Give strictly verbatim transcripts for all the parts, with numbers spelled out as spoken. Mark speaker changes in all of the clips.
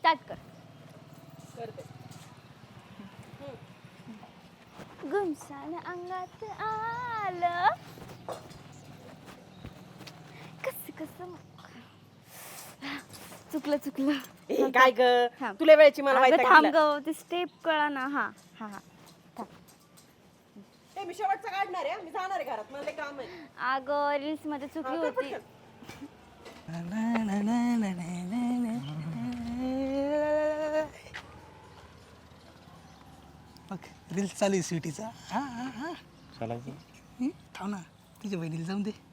Speaker 1: Start कर.
Speaker 2: करते.
Speaker 1: गुमसान अंगात आलं कस कस चुकलं चुकलं.
Speaker 2: ए काय ग
Speaker 1: थांब.
Speaker 2: तुला वेळची मला
Speaker 1: अगं
Speaker 2: माहिती
Speaker 1: थांब ग ती स्टेप कळा ना. हा हा हा
Speaker 2: ए मी शेवटचा काढणार आहे मी जाणार आहे घरात मला लय काम आहे.
Speaker 1: अगं रील्स मध्ये चुकली
Speaker 2: हा, कर
Speaker 1: होती.
Speaker 2: पटकन.
Speaker 3: रील्स चालू आहे स्वीटीचा. हा हा हा
Speaker 4: चालायचं.
Speaker 3: हं, थांब ना तुझ्या बहिणीला जाऊन दे.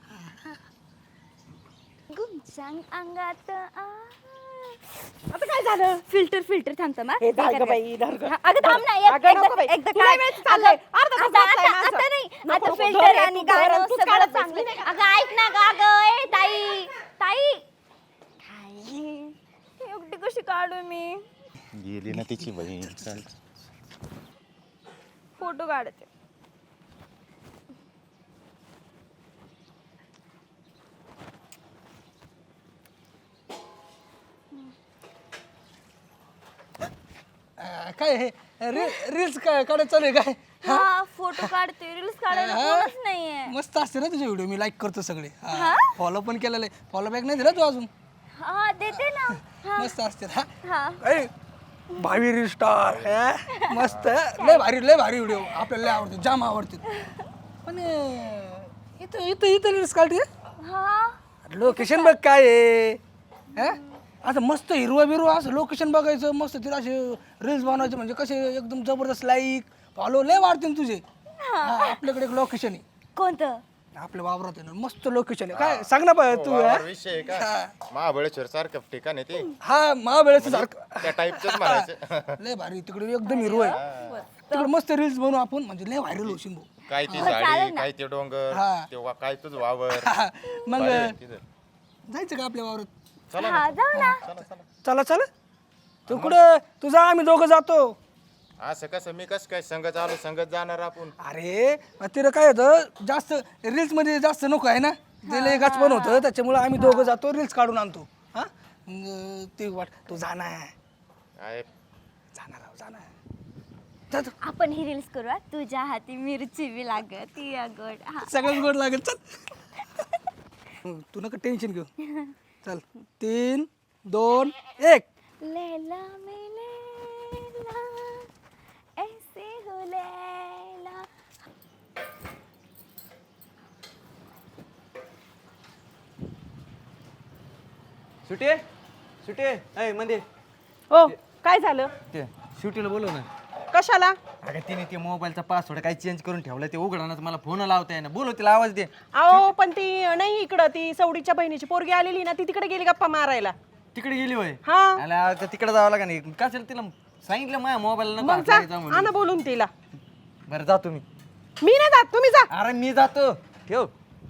Speaker 1: गुमसान अंगात आ
Speaker 2: आता काय झालं
Speaker 1: फिल्टर फिल्टर थांबतं मग.
Speaker 2: ए धर ग बाई धर ग.
Speaker 1: हा, अगं थांब ना एक-
Speaker 2: अगं नको
Speaker 1: एकदा
Speaker 2: बाई.
Speaker 1: एकदा
Speaker 2: तुला
Speaker 1: काय
Speaker 2: वेळच चाललंय. अर्धा तास
Speaker 1: आता
Speaker 2: बसलाय
Speaker 1: आता
Speaker 2: माझं.
Speaker 1: आता नाही
Speaker 2: नको,
Speaker 1: आता
Speaker 2: नको,
Speaker 1: फिल्टर
Speaker 2: धर रे,
Speaker 1: आणि
Speaker 2: तू धर
Speaker 1: गाणं
Speaker 2: आणि तूच
Speaker 1: सगळं
Speaker 2: काढत बस.
Speaker 1: चांगलं. अगं ऐक ना ग अगं ए ताई ताई काय एकटी कशी काढू मी.
Speaker 4: गेली ना तिची बहीण. चल.
Speaker 1: फोटो काढते.
Speaker 3: अं, काय हे री रील्स काय काढत चालू आहे काय?
Speaker 1: हा फोटो काढते रील्स काढायला
Speaker 3: हा?
Speaker 1: कोणच नाहीये.
Speaker 3: मस्त असते ना तुझे व्हिडिओ मी लाईक करतो सगळे.
Speaker 1: हा?
Speaker 3: फॉलो पण केलेलं आहे. फॉलो बॅक नाही दिला तू अजून.
Speaker 1: हा देते ना. हा
Speaker 3: मस्त असते हा.
Speaker 1: हा
Speaker 3: ए, भावी रील स्टार मस्त लय भारी लय भारी व्हिडिओ आपल्याला लय आवडते जाम आवडते. पण अं, इथं इथं इथं रील्स काढते.
Speaker 1: हा
Speaker 3: लोकेशन बघ काय आहे हा? असं मस्त हिरवा बिरवा असं लोकेशन बघायचं मस्त तिला असे रील्स बनवायचे म्हणजे कसे एकदम जबरदस्त लाईक फॉलो लय वाढतील तुझे. हा, आपल्याकडे एक लोकेशन आहे
Speaker 1: कोणतं.
Speaker 3: आपल्या वावरात आहे ना मस्त लोकेशन आहे काय सांग ना बा तू हा?
Speaker 4: वावर विषय आहे का महाबळेश्वर सारखं ठिकाण आहे ते
Speaker 3: हा महाबळेचं सारखं
Speaker 4: त्या टाईपच म्हणायचं.
Speaker 3: लय भारी तिकडे एकदम हिरवं आहे तिकडे मस्त रील्स बनवू आपण म्हणजे लय व्हायरल होशील भाऊ.
Speaker 4: काय ती
Speaker 1: हो, चालेल
Speaker 4: झाडी
Speaker 1: ना.
Speaker 4: काय ते डोंगर
Speaker 3: हा.
Speaker 4: तेव्हा काय तुझ वावर.
Speaker 3: हा, मग
Speaker 4: भारी आहे तिथं.
Speaker 3: जायचं का आपल्या वावरात.
Speaker 4: चला
Speaker 1: हा
Speaker 4: ना.
Speaker 1: जाऊ ना.
Speaker 4: चला चला.
Speaker 3: चला चला तू कुठं तुझा आम्ही दोघं जातो.
Speaker 4: असं कसं मी कसं काय संगत आलो संगत जाणार आपण.
Speaker 3: अरे मग तिला काय होतं जास्त रील्स मध्ये जास्त नको आहे ना ते लय गाच पण होतं त्याच्यामुळे आम्ही दोघं जातो रील्स काढून आणतो. हा मग ते वाट तू जाणार
Speaker 4: काय
Speaker 3: जाणार आहो, जाणार जा तू.
Speaker 1: आपण ही रील्स करू हा. तुझ्या हाती मिरची बी लागत ती अगोड हा.
Speaker 3: सगळंच गोड लागेल चल. हं, तू नका टेन्शन घेऊ. चल तीन दोन एक.
Speaker 1: लैला में लैला ऐसे हो लैला.
Speaker 5: सुटे सुटे अय मंदिर
Speaker 2: हो काय झालं
Speaker 5: ते सुटीला बोलव ना.
Speaker 2: कशाला.
Speaker 5: अगं तिने ते मोबाईलचा पासवर्ड काही चेंज करून ठेवला ते उघडणार मला फोन लावता येईना बोलव तिला आवाज दे.
Speaker 2: अहो पण ती नाही इकडं ती सवडीच्या बहिणीची पोरगी आलेली ना ती तिकडे गेली गप्पा मारायला.
Speaker 5: तिकडे गेली होय.
Speaker 2: हा
Speaker 5: आला तर तिकडे जावं लागा नाही कशाला तिला सांगितलं माझ्या मोबाईल
Speaker 2: मग जा आणा बोलून तिला.
Speaker 5: बरं जातो मी.
Speaker 2: मी नाही जात तुम्ही जा.
Speaker 5: अरे मी जातो ठेव.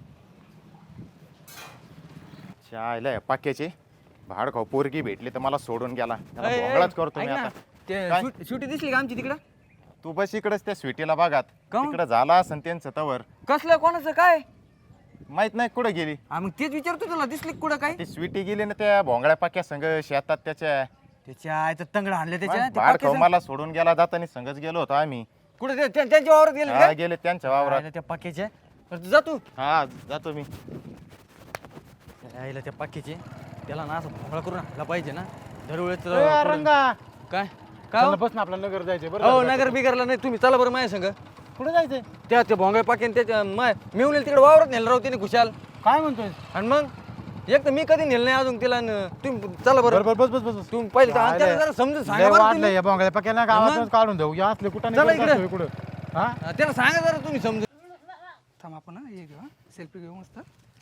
Speaker 4: चायला पाक्याचे भाड खाऊ पोरगी भेटली तर मला सोडून गेला त्याला
Speaker 5: अय, अय,
Speaker 4: भोंगळाच करतो मी
Speaker 5: ऐक ना,
Speaker 4: आता.
Speaker 5: ते
Speaker 4: काय?
Speaker 5: सुट- सुटी दिसली का आमची तिकडं.
Speaker 4: तू बस इकडेच त्या स्वीटीला बघात
Speaker 5: काहून?
Speaker 4: तिकडं झाला असन त्यांचं तवर
Speaker 5: कसलं कोणाचं काय.
Speaker 4: माहित नाही कुठं गेली
Speaker 5: हा मग तेच विचारतो तुला दिसली का कुठं काय.
Speaker 4: ती स्वीटी गेली ना त्या भोंगळ्या पाक्या संघ शेतात त्याच्या
Speaker 5: त्याच्या आयचं तंगड आणलं त्याच्या ते
Speaker 4: भाड खाऊ
Speaker 5: पाकीचं-
Speaker 4: मला सोडून गेला जाताना संघच गेलो होतो आम्ही.
Speaker 5: कुठं ते- त्या- त्यांच्या वावरात गेले
Speaker 4: हा, गेले त्यांच्या वावरात.
Speaker 5: आयला त्या पाक्याच्या बरं, तू जा तू.
Speaker 4: हा जातो मी.
Speaker 5: यायला त्या पाकीचे त्याला ना असं भोंगळा करून आणला पाहिजे ना दरवेळेस
Speaker 6: ए, रंगा
Speaker 5: काय काय हो?
Speaker 6: बस ना आपला नगर जायचंय
Speaker 5: हो
Speaker 6: बरं
Speaker 5: नगर बिगरला नाही तुम्ही चला बरं माझ्या संग
Speaker 6: कुठे जायचंय
Speaker 5: त्या ते भोंगळे पाकीन त्याच्या माय मिळून तिकडे वावरत नेलं राहू त्याने खुशाल.
Speaker 6: काय म्हणतोय
Speaker 5: आणि मग एक तर मी कधी नेलं नाही अजून तिला न- तुम्ही चला बरं
Speaker 6: बरं बरं बस बस बस
Speaker 5: तुम्ही पहिले तर- त्याला जरा समजून सांगा बरं
Speaker 6: वाटलं
Speaker 5: तुम्ही.
Speaker 6: या बोंगळ्या पक्याला गावातच काढून देऊ या असले कुठं
Speaker 5: चला इकडे.
Speaker 6: नाही कुठं हा
Speaker 5: हा, त्याला सांगा जरा तुम्ही समजून.
Speaker 3: थांब आपण हा हे घेऊ हा सेल्फी घेऊ मस्त.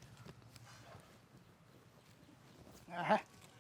Speaker 3: आहा.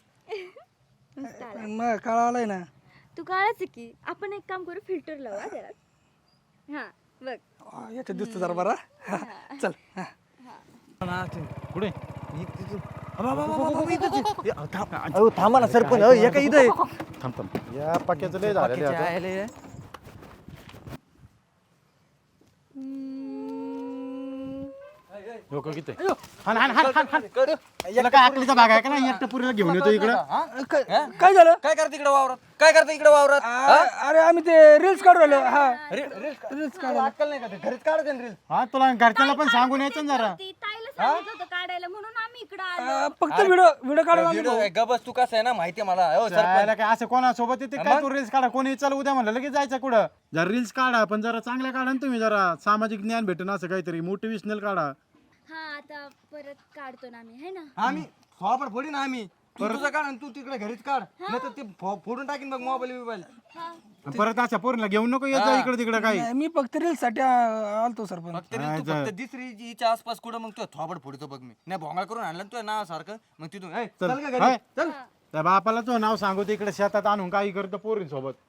Speaker 3: मग काळा आलाय ना.
Speaker 1: तू काढायचं की आपण एक काम करू फिल्टर लावू हा त्याला. हा बघ
Speaker 3: आ, याच्यात दिसतो जरा बरा हा, चल हा.
Speaker 5: ना, ते-
Speaker 6: कुठे
Speaker 5: इ- तिथं- अबा, अबा, अबा, अबा, इथंच आहे. ए, अहो, थांब- अहो, थांबा ना सरपंच अहो, एका इथं आहे.
Speaker 6: थांब थांब या पक्याचं लय झालेलं
Speaker 5: पाकीच्या
Speaker 6: आहे आता.
Speaker 5: आयले.
Speaker 1: हम्म.
Speaker 5: अय, अय,
Speaker 6: लोक किती हान हान हान हान हान तुला काय अकलीचा भाग आहे का नाही एकटं पुरीला घेऊन येतो इकडं
Speaker 3: काय काय झालं
Speaker 5: काय करते इकडे वावरात काय करते इकडे वावरात
Speaker 3: आ- अरे आम्ही ते रील्स काढू राहिलो हा रील्स काढू
Speaker 5: अक्कल नाही का ते घरीच काढते रील
Speaker 6: हा तुला घरच्यांना पण सांगून यायचं ना जरा
Speaker 1: ती ताईला सांगितलं होतं काढायला म्हणून आम्ही इकडं आलो
Speaker 3: आ, फक्त व्हिडिओ व्हिडिओ काढून आम्ही
Speaker 5: व्हिडिओ गबस तू कसं आहे ना माहिती आहे मला हो सरपंच
Speaker 6: जायला काय असं कोणासोबत येते काय तू रील्स काढा कोणी चल उद्या म्हणलं लगेच जायचं कुठं जरा रील्स काढा पण जरा चांगल्या काढा ना तुम्ही जरा सामाजिक ज्ञान भेटेन असं काहीतरी मोटिवेशनल काढा
Speaker 1: हा आता परत काढतो ना आम्ही है ना
Speaker 5: आम्ही फॉपर फोडी ना आम्ही तू तुझं काढ आणि तू तिकडे घरीच काढ नाही तर ते फो- फोडून टाकीन बघ मोबाईल बिबाईल
Speaker 6: आणि परत अशा पोरीला घेऊन नको येत जा इकडे तिकडे काही
Speaker 3: नाही, मी फक्त रील्स साठी आ- आलतो सरपंच
Speaker 5: तरी तू फक्त दुसरी हिच्या आसपास कुठं मग तू थोबड फोडतो बघ मी नाही भोंगाळ करून आणलं तुझ्या नाव सारखं मग तिथून ए, चल का घरी
Speaker 6: हाय.
Speaker 5: चल
Speaker 6: त्या बापाला तो नाव सांगू ते इकडे शेतात आणून काही करतो पोरींसोबत